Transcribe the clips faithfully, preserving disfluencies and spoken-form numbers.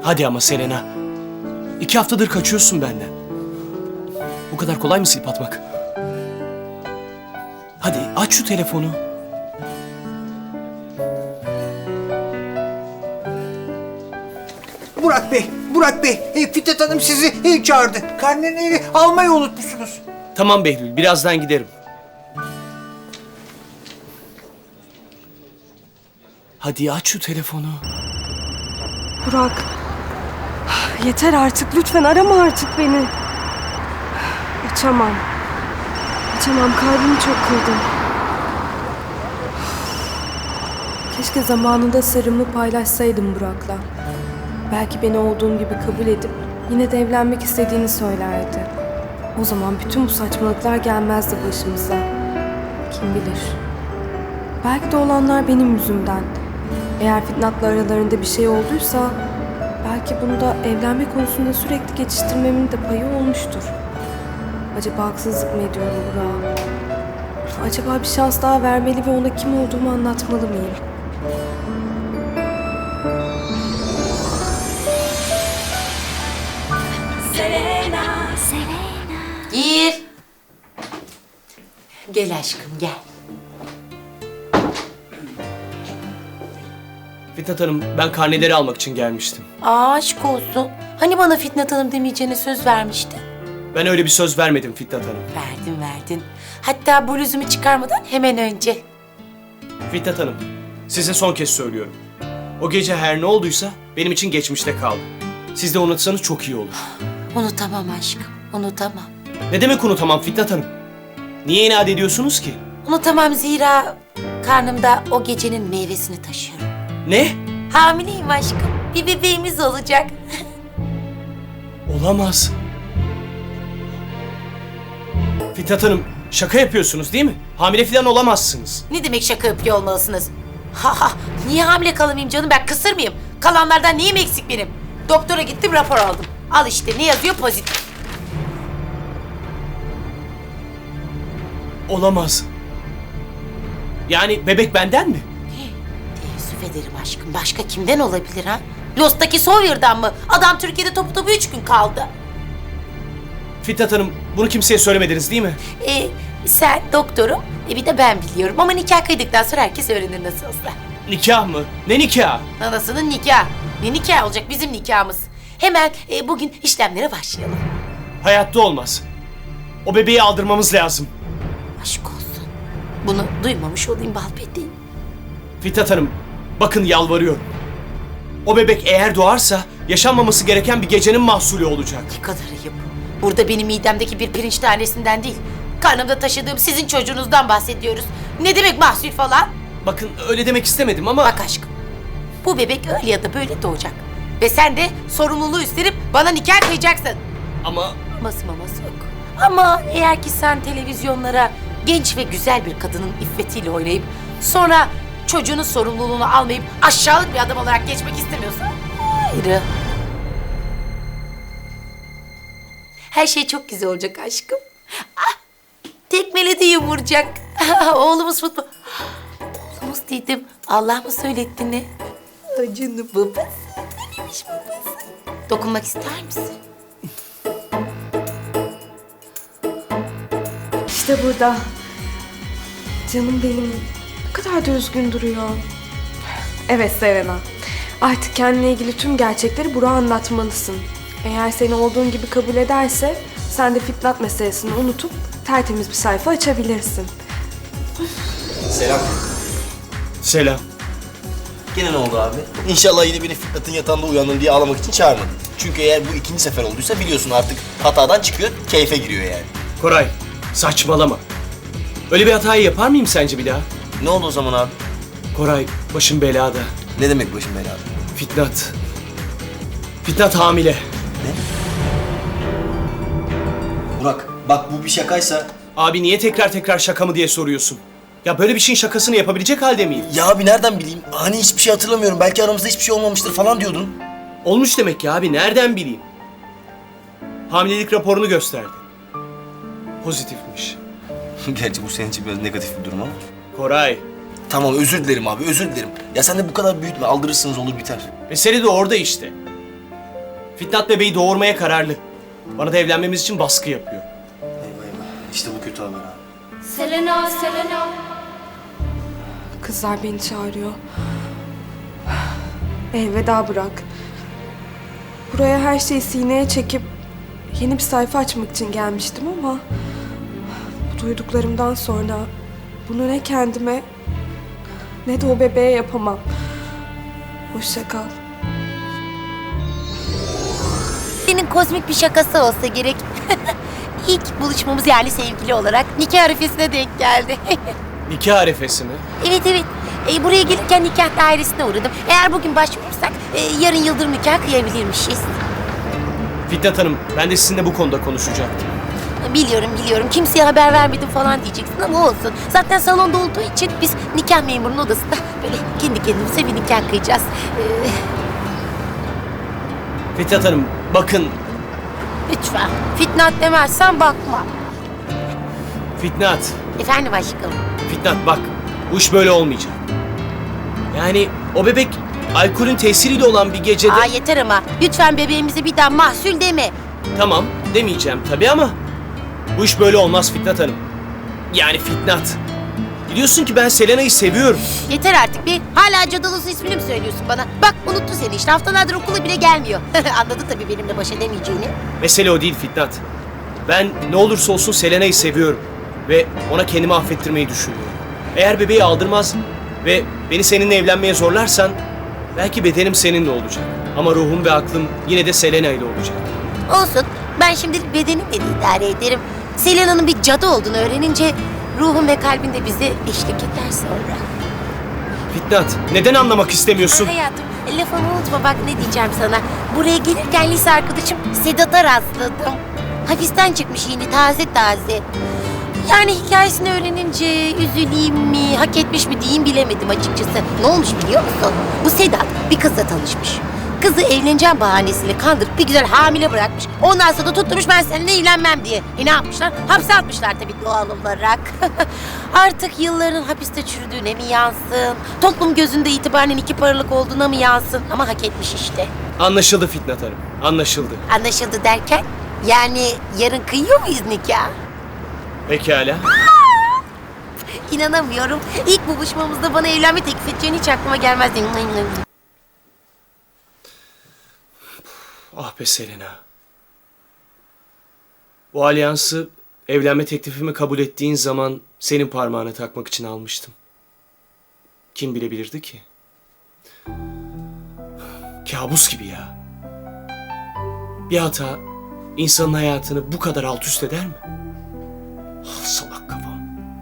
Hadi ama Selena. İki haftadır kaçıyorsun benden. Bu kadar kolay mı silip atmak? Hadi aç şu telefonu. Burak Bey, Burak Bey, e, Fitnat Hanım sizi e, çağırdı. Karneni almayı unutmuşsunuz. Tamam Behlül, birazdan giderim. Hadi aç şu telefonu. Burak. Yeter artık. Lütfen arama artık beni. Açamam. Açamam. Kalbimi çok kırdım. Keşke zamanında sırrımı paylaşsaydım Burak'la. Belki beni olduğum gibi kabul edip yine de evlenmek istediğini söylerdi. O zaman bütün bu saçmalıklar gelmezdi başımıza. Kim bilir. Belki de olanlar benim yüzümden. Eğer Fitnat'la aralarında bir şey olduysa belki bunda evlenme konusunda sürekli geçiştirmemin de payı olmuştur. Acaba haksızlık mı ediyorum Burak'a? Acaba bir şans daha vermeli ve ona kim olduğumu anlatmalı mıyım? Selena, Selena. Gir. Gel aşkım gel. Fitnat Hanım, ben karneleri almak için gelmiştim. Aa, aşk olsun. Hani bana Fitnat Hanım demeyeceğine söz vermiştin? Ben öyle bir söz vermedim Fitnat Hanım. Verdin verdin. Hatta bluzumu çıkarmadan hemen önce. Fitnat Hanım, size son kez söylüyorum. O gece her ne olduysa benim için geçmişte kaldı. Siz de unutsanız çok iyi olur. Unutamam aşkım, unutamam. Ne demek unutamam Fitnat Hanım? Niye inat ediyorsunuz ki? Unutamam zira karnımda o gecenin meyvesini taşıyorum. Ne? Hamileyim aşkım. Bir bebeğimiz olacak. Olamaz. Fitnat Hanım, şaka yapıyorsunuz değil mi? Hamile falan olamazsınız. Ne demek şaka yapıyor olmalısınız? Ha ha, niye hamile kalamayayım canım, ben kısır mıyım? Kalanlardan neyim eksik benim? Doktora gittim, rapor aldım. Al işte, ne yazıyor? Pozitif. Olamaz. Yani bebek benden mi? Teessüf ederim aşkım. Başka kimden olabilir ha? Lost'taki Sawyer'dan mı? Adam Türkiye'de topu topu üç gün kaldı. Fitnat Hanım, bunu kimseye söylemediniz değil mi? Ee, sen doktorum, e bir de ben biliyorum. Ama nikah kıydıktan sonra herkes öğrenir nasıl olsa. Nikah mı? Ne nikah? Anasının nikahı. Ne nikah olacak? Bizim nikahımız. Hemen e, bugün işlemlere başlayalım. Hayatta olmaz. O bebeği aldırmamız lazım. Aşk olsun. Bunu duymamış olayım balpeteyim. Fitnat Hanım, bakın yalvarıyorum. O bebek eğer doğarsa yaşanmaması gereken bir gecenin mahsulü olacak. Ne kadar ayıp. Burada benim midemdeki bir pirinç tanesinden değil, karnımda taşıdığım sizin çocuğunuzdan bahsediyoruz. Ne demek mahsul falan? Bakın öyle demek istemedim ama... Bak aşkım, bu bebek öyle ya da böyle doğacak. Ve sen de sorumluluğu üstlenip bana nikah kıyacaksın. Ama... Aması maması yok. Ama eğer ki sen televizyonlara genç ve güzel bir kadının iffetiyle oynayıp sonra çocuğunun sorumluluğunu almayıp aşağılık bir adam olarak geçmek istemiyorsan ayrı. Her şey çok güzel olacak aşkım. Ah, tekmeledi yumurcak. Oğlumuz futbol. Oğlumuz dedim. Allah mı söyletti ne? Acını babası. Neymiş babası? Dokunmak ister misin? İşte burada. Canım benim. Ne kadar da üzgün duruyor. Evet Selena. Artık kendine ilgili tüm gerçekleri Burak'a anlatmalısın. Eğer seni olduğun gibi kabul ederse sen de Fitnat meselesini unutup tertemiz bir sayfa açabilirsin. Selam. Selam. Gene ne oldu abi? İnşallah yine beni Fitnat'ın yatağında uyandın diye ağlamak için çağırmadın. Çünkü eğer bu ikinci sefer olduysa biliyorsun artık hatadan çıkıyor, keyfe giriyor yani. Koray, saçmalama. Öyle bir hatayı yapar mıyım sence bir daha? Ne oldu o zaman abi? Koray, başım belada. Ne demek başım belada? Fitnat. Fitnat hamile. Burak, bak bu bir şakaysa... Abi niye tekrar tekrar şaka mı diye soruyorsun? Ya böyle bir şeyin şakasını yapabilecek halde miyim? Ya abi nereden bileyim? Hani hiçbir şey hatırlamıyorum. Belki aramızda hiçbir şey olmamıştır falan diyordun. Olmuş demek ki abi, nereden bileyim? Hamilelik raporunu gösterdi. Pozitifmiş. Gerçi bu senin için biraz negatif bir durum ama. Koray, Tamam özür dilerim abi, özür dilerim. Ya sen de bu kadar büyütme, aldırırsınız olur biter. mesele de orada işte. Fitnat bebeği doğurmaya kararlı. Bana da evlenmemiz için baskı yapıyor. Eyvah eyvah. İşte bu kötü haber abi. Selena, Selena. Kızlar beni çağırıyor. Elveda Burak. Buraya her şeyi sineye çekip yeni bir sayfa açmak için gelmiştim ama bu duyduklarımdan sonra bunu ne kendime ne de o bebeğe yapamam. Hoşça kal. Senin kozmik bir şakası olsa gerek. İlk buluşmamız yani sevgili olarak nikah arifesine denk geldi. Nikah arefesi mi? Evet evet. E, buraya gelirken nikah dairesine uğradım. Eğer bugün başvurursak e, yarın yıldırım nikah kıyabilirmişiz. Fitnat Hanım, ben de sizinle bu konuda konuşacaktım. Biliyorum biliyorum. Kimseye haber vermedim falan diyeceksin ama olsun. Zaten salonda olduğu için biz nikah memurunun odasında böyle kendi kendimize bir nikah kıyacağız. Ee, Fitnat Hanım, bakın. lütfen. Fitnat demezsen bakma. Fitnat, Efendim aşkım. Fitnat bak. Bu iş böyle olmayacak. Yani o bebek alkolün tesiriyle olan bir gecede... Aa yeter ama. Lütfen bebeğimize bir daha mahsul deme. Tamam, demeyeceğim tabii ama bu iş böyle olmaz Fitnat Hanım. Yani Fitnat. Biliyorsun ki ben Selena'yı seviyorum. Yeter artık bir. Hala cadalosu ismini mi söylüyorsun bana? Bak unuttu seni işte. Haftalardır okula bile gelmiyor. Anladı tabii benimle baş edemeyeceğini. Mesele o değil Fitnat. Ben ne olursa olsun Selena'yı seviyorum. Ve ona kendimi affettirmeyi düşünüyorum. Eğer bebeği aldırmaz ve beni seninle evlenmeye zorlarsan... belki bedenim seninle olacak. Ama ruhum ve aklım yine de Selena ile olacak. Olsun. Ben şimdilik bedenimle de idare ederim. Selena'nın bir cadı olduğunu öğrenince ruhum ve kalbin de bize eşlik eder sonra. Fitnat, neden anlamak istemiyorsun? Ah hayatım, lafımı unutma bak ne diyeceğim sana. Buraya gelirken lise arkadaşım Sedat'a rastladım. Hapisten çıkmış yeni taze taze. Yani hikayesini öğrenince üzüleyim mi, hak etmiş mi diyeyim bilemedim açıkçası. Ne olmuş biliyor musun? Bu Sedat bir kızla tanışmış. Kızı evleneceğim bahanesiyle kandırıp bir güzel hamile bırakmış. Ondan sonra da tutturmuş ben seninle evlenmem diye. E ne yapmışlar? Hapse atmışlar tabii doğal olarak. Artık yılların hapiste çürüdüğüne mi yansın? Toplum gözünde itibaren iki paralık olduğuna mı yansın? Ama hak etmiş işte. Anlaşıldı Fitnat Hanım, anlaşıldı. Anlaşıldı derken? Yani yarın kıyıyor muyuz nikah? Pekala. İnanamıyorum. İlk buluşmamızda bana evlenme teklif edeceğini hiç aklıma gelmezdi. Ah be Selena. Bu alyansı evlenme teklifimi kabul ettiğin zaman senin parmağına takmak için almıştım. Kim bilebilirdi ki? Kabus gibi ya. Bir hata insanın hayatını bu kadar alt üst eder mi? Ah salak kafam.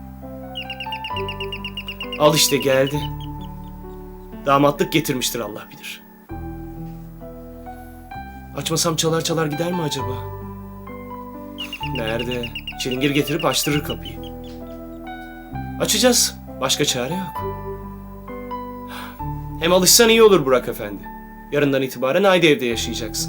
Al işte geldi. Damatlık getirmiştir Allah bilir. Açmasam çalar çalar gider mi acaba? Nerede? Çilingir getirip açtırır kapıyı. Açacağız. Başka çare yok. Hem alışsan iyi olur Burak Efendi. Yarından itibaren aynı evde yaşayacaksın.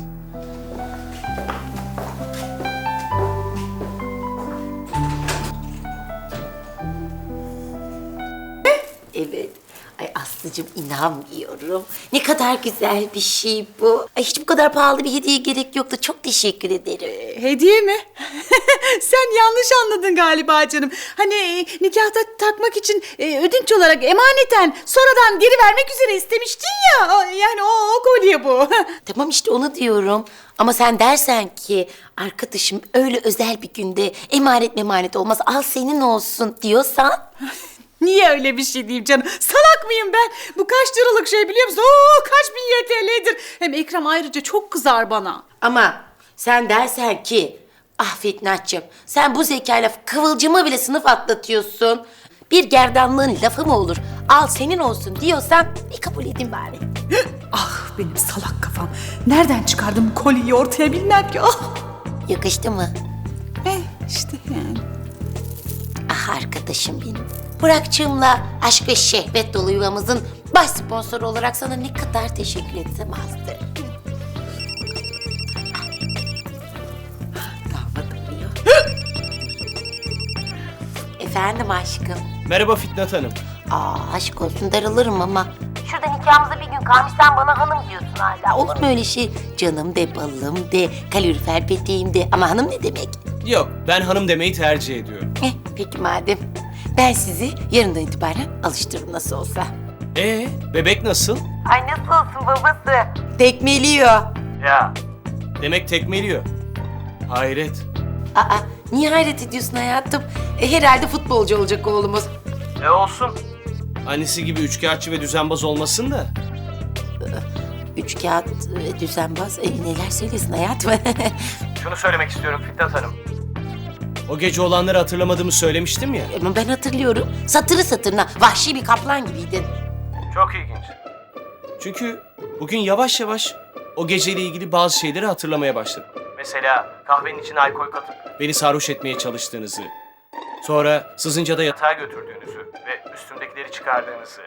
Evet. Ay Aslı'cığım inanmıyorum. Ne kadar güzel bir şey bu. Ay hiç bu kadar pahalı bir hediye gerek yoktu. Çok teşekkür ederim. Hediye mi? Sen yanlış anladın galiba canım. Hani e, nikahta takmak için e, ödünç olarak emaneten sonradan geri vermek üzere istemiştin ya. O- Yani o, o kolye bu. Tamam işte onu diyorum. Ama sen dersen ki arkadaşım öyle özel bir günde emanet memanet olmaz al senin olsun diyorsan. Niye öyle bir şey diyeyim canım? Salak mıyım ben? Bu kaç liralık şey biliyor musun? Oo, kaç bin Y T L'dir. Hem Ekrem ayrıca çok kızar bana. Ama sen dersen ki ah Fitnatçığım sen bu zekayla kıvılcımı bile sınıf atlatıyorsun. Bir gerdanlığın lafı mı olur? Al senin olsun diyorsan bir kabul edin bari. Ah benim salak kafam. Nereden çıkardım bu kolyeyi ortaya bilmem ki. Ah. Yakıştı mı? Eh işte yani. Ah arkadaşım benim. Burak'cığımla aşk ve şehvet dolu yuvamızın baş sponsoru olarak sana ne kadar teşekkür etsem azdır. Damadım diyor. Efendim aşkım. Merhaba Fitnat Hanım. Aa aşk olsun darılırım ama. şurada nikahımıza bir gün kalmış sen bana hanım diyorsun hala. Olur mu öyle şey? Canım de, balım de, kalorifer peteğim de. Ama hanım ne demek? Yok, ben hanım demeyi tercih ediyorum. Eh, peki madem. Ben sizi yarından itibaren alıştırırım nasıl olsa. Ee, bebek nasıl? Ay nasıl olsun babası? Tekmeliyor. Ya. Demek tekmeliyor. Hayret. Aa, niye hayret ediyorsun hayatım? E, herhalde futbolcu olacak oğlumuz. E olsun. Annesi gibi üçkağıtçı ve düzenbaz olmasın da. Üç kağıt e, düzenbaz. E, neler söylesin hayatım? Şunu söylemek istiyorum Fitnat Hanım. O gece olanları hatırlamadığımı söylemiştim ya. Ama ben hatırlıyorum. Satırı satırına vahşi bir kaplan gibiydin. Çok ilginç. Çünkü bugün yavaş yavaş o geceyle ilgili bazı şeyleri hatırlamaya başladım. Mesela kahvenin içine alkol katıp beni sarhoş etmeye çalıştığınızı, sonra sızınca da yatağa götürdüğünüzü ve üstümdekileri çıkardığınızı,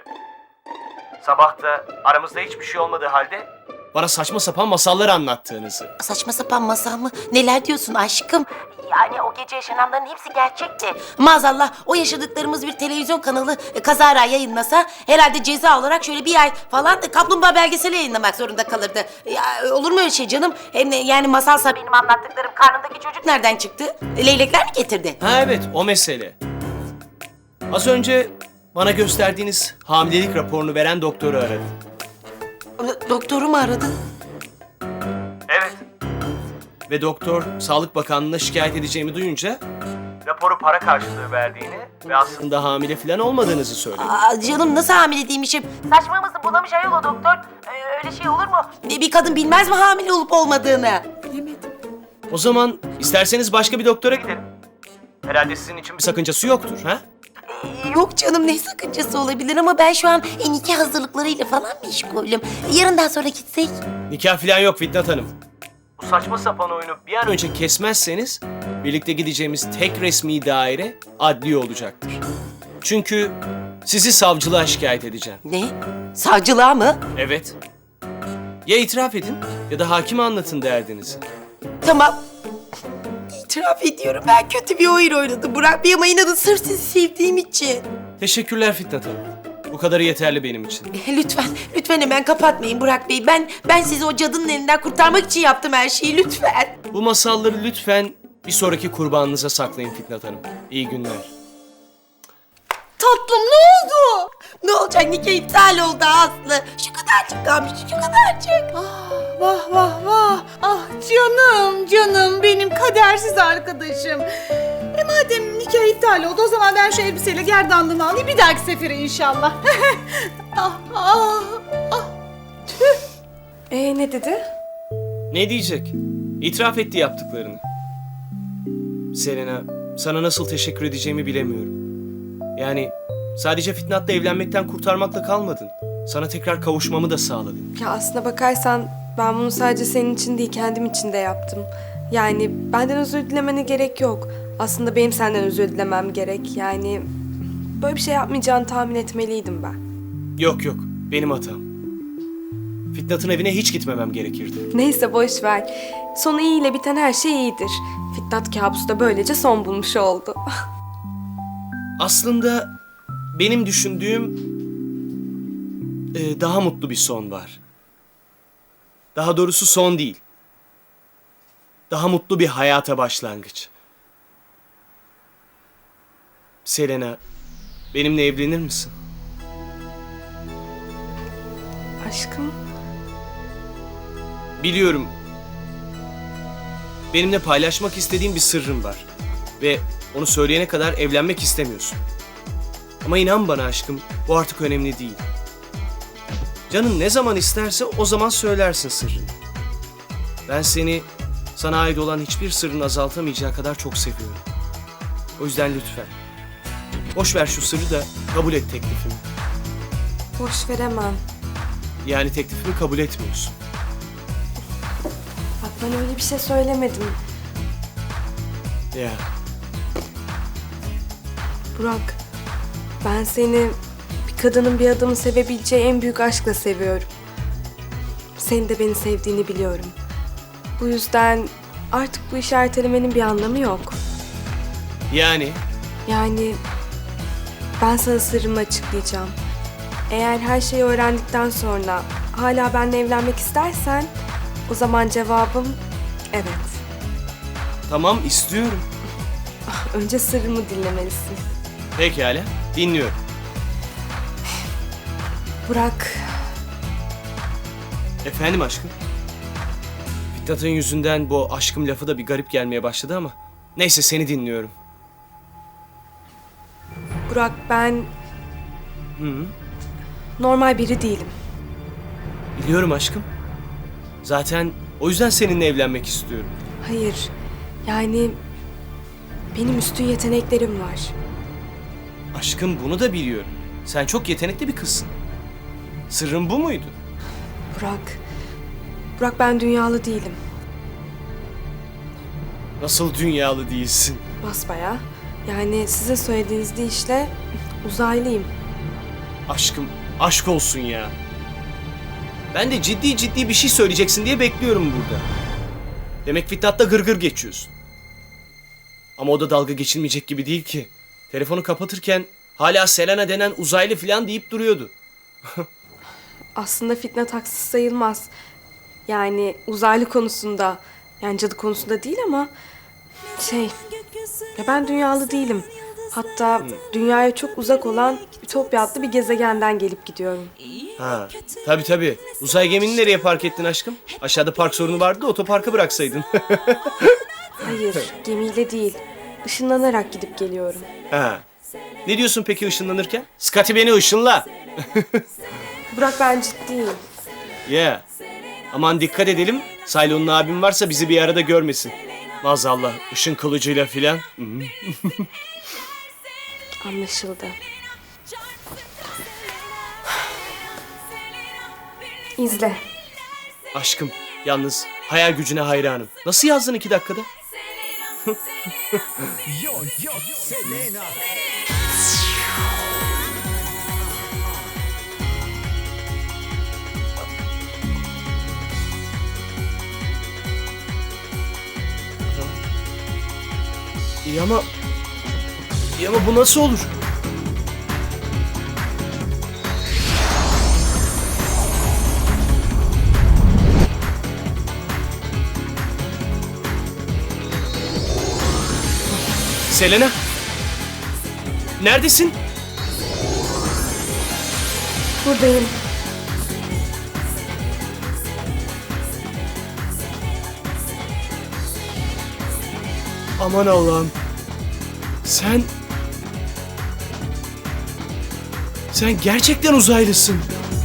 sabah da aramızda hiçbir şey olmadığı halde bana saçma sapan masallar anlattığınızı. Saçma sapan masal mı? Neler diyorsun aşkım? Yani o gece yaşananların hepsi gerçekti. Maazallah o yaşadıklarımız bir televizyon kanalı e, kazara yayınlasa herhalde ceza olarak şöyle bir ay falan e, kaplumbağa belgeseli yayınlamak zorunda kalırdı. Ya, olur mu öyle şey canım? Hem de yani masalsa benim anlattıklarım karnındaki çocuk nereden çıktı? E, Leylekler mi getirdi? Ha evet, o mesele. Az önce bana gösterdiğiniz hamilelik raporunu veren doktoru aradım. Do- Doktoru mu aradın? Evet. Ve doktor Sağlık Bakanlığı'na şikayet edeceğimi duyunca raporu para karşılığı verdiğini ve aslında hamile falan olmadığınızı söyledi. Aa, canım nasıl hamile değilmişim? Saçma mısın? Bulamış ayol o doktor. Ee, öyle şey olur mu? Bir, bir kadın bilmez mi hamile olup olmadığını? Bilemedim. O zaman isterseniz başka bir doktora gidelim. Herhalde sizin için bir sakıncası yoktur, ha? Ee, yok canım ne sakıncası olabilir ama ben şu an e, nikah hazırlıklarıyla falan meşgulüm. Yarından sonra gitsek. Nikah falan yok Fitnat Hanım. Bu saçma sapan oyunu bir an önce kesmezseniz birlikte gideceğimiz tek resmi daire adliye olacaktır. Çünkü sizi savcılığa şikayet edeceğim. Ne? Savcılığa mı? Evet. Ya itiraf edin ya da hakime anlatın derdinizi. Tamam. İtiraf ediyorum ben kötü bir oyun oynadım Burak Bey ama inanın sırf sizi sevdiğim için. Teşekkürler Fitnat Hanım. Bu kadarı yeterli benim için. Lütfen, lütfen hemen kapatmayın Burak Bey. Ben ben sizi o cadının elinden kurtarmak için yaptım her şeyi lütfen. Bu masalları lütfen bir sonraki kurbanınıza saklayın Fitnat Hanım. İyi günler. Tatlım ne oldu? Ne olacak nikah iptal oldu Aslı. Şu kadarcık kalmış şu kadarcık. Ah, vah vah vah. Ah canım canım benim kadersiz arkadaşım. E madem nikah iptal oldu o zaman ben şu elbiseyle gerdanlığını alayım bir dahaki sefere inşallah. ah ah ah. Ee ne dedi? Ne diyecek? İtiraf etti yaptıklarını. Selena, sana nasıl teşekkür edeceğimi bilemiyorum. Yani sadece Fitnat'la evlenmekten kurtarmakla kalmadın. Sana tekrar kavuşmamı da sağladın. Ya aslına bakarsan ben bunu sadece senin için değil kendim için de yaptım. Yani benden özür dilemene gerek yok. Aslında benim senden özür dilemem gerek. Yani böyle bir şey yapmayacağını tahmin etmeliydim ben. Yok yok, benim hatam. Fitnat'ın evine hiç gitmemem gerekirdi. Neyse boş ver. Sonu iyiyle biten her şey iyidir. Fitnat kabusu da böylece son bulmuş oldu. Aslında benim düşündüğüm e, daha mutlu bir son var. Daha doğrusu son değil. Daha mutlu bir hayata başlangıç. Selena, benimle evlenir misin? Aşkım. Biliyorum. Benimle paylaşmak istediğin bir sırrın var. Ve onu söyleyene kadar evlenmek istemiyorsun. Ama inan bana aşkım, bu artık önemli değil. Canın ne zaman isterse o zaman söylersin sırrını. Ben seni, sana ait olan hiçbir sırrın azaltamayacağı kadar çok seviyorum. O yüzden lütfen. Boş ver şu sırrı da kabul et teklifimi. Boş veremem. Yani teklifimi kabul etmiyorsun. Bak ben öyle bir şey söylemedim. Ya. Burak, ben seni bir kadının bir adamı sevebileceği en büyük aşkla seviyorum. Senin de beni sevdiğini biliyorum. Bu yüzden artık bu işi ertelemenin bir anlamı yok. Yani Yani ben sana sırrımı açıklayacağım. Eğer her şeyi öğrendikten sonra hala benimle evlenmek istersen o zaman cevabım evet. Tamam, istiyorum. Önce sırrımı dinlemelisin. Pekala, dinliyorum. Burak, Efendim aşkım? Fitnat'ın yüzünden bu aşkım lafı da bir garip gelmeye başladı ama... Neyse, seni dinliyorum. Burak ben normal biri değilim. Biliyorum aşkım. Zaten o yüzden seninle evlenmek istiyorum. Hayır, yani benim üstün yeteneklerim var. Aşkım, bunu da biliyorum. Sen çok yetenekli bir kızsın. Sırrın bu muydu? Burak, Burak ben dünyalı değilim. Nasıl dünyalı değilsin? Basbayağı. Yani size söylediğiniz deyişle uzaylıyım. Aşkım, aşk olsun ya. Ben de ciddi ciddi bir şey söyleyeceksin diye bekliyorum burada. Demek Fitnat'la gırgır geçiyorsun. Ama o da dalga geçilmeyecek gibi değil ki. Telefonu kapatırken hala Selena denen uzaylı falan deyip duruyordu. Aslında Fitnat haksız sayılmaz. Yani uzaylı konusunda, yani cadı konusunda değil ama şey, ya ben dünyalı değilim. Hatta dünyaya çok uzak olan Ütopya adlı bir gezegenden gelip gidiyorum. Ha, tabii tabii. Uzay gemini nereye park ettin aşkım? Aşağıda park sorunu vardı da otoparka bıraksaydın. Hayır, gemiyle değil. Işınlanarak gidip geliyorum. Ha. Ne diyorsun peki ışınlanırken? Scotty beni ışınla. Burak ben ciddiyim. Yeah. Aman dikkat edelim. Saylon'un abim varsa bizi bir arada görmesin. Maazallah ışın kılıcıyla filan. Hı. Anlaşıldı. İzle. Aşkım, yalnız hayal gücüne hayranım. Nasıl yazdın iki dakikada? İyi ama... İyi ama bu nasıl olur? Selena! Neredesin? Buradayım. Aman Allah'ım. Sen... Sen gerçekten uzaylısın.